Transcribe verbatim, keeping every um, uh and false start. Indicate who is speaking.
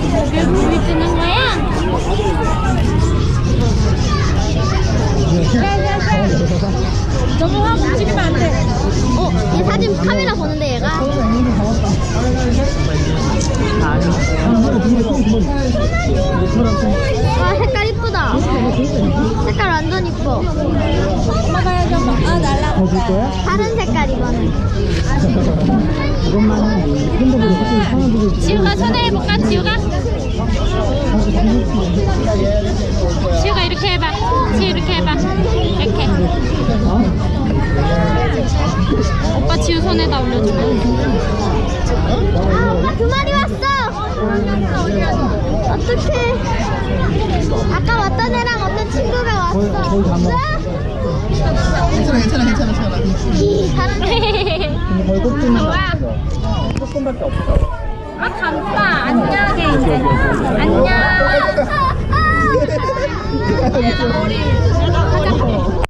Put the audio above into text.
Speaker 1: 왜 물이 뜨는 거야? 너무 확 움직이면 안 돼.
Speaker 2: 어, 얘 사진 카메라 보는데 얘가. 와, 색깔 이쁘다. 색깔 완전 이뻐.
Speaker 1: 엄마가 해줘. 아, 날라.
Speaker 3: 더 줄 거야?
Speaker 2: 다른 색깔 이거는.
Speaker 3: 이것만 핸드폰으로 사진 사람들이
Speaker 1: 지우가 손에 해볼까? 지우가? 지우가 이렇게 해봐. 지우 이렇게 해봐. 이렇게. 오빠 지우 손에다 올려줘.
Speaker 2: 아, 오빠 두 마리 왔어. 어떡해. 아까 왔던 애랑 어떤 친구가 왔어.
Speaker 3: 거의 다 먹었어.
Speaker 4: 괜찮아 괜찮아 괜찮아 괜찮아.
Speaker 2: 히, 다른 애.
Speaker 3: 거의 꼭지만
Speaker 1: 뭐야?
Speaker 3: 조금밖에 없어.
Speaker 1: 아, 간다. 안녕하게 이제. 안녕.
Speaker 2: 아, 아, 아.
Speaker 1: 머리.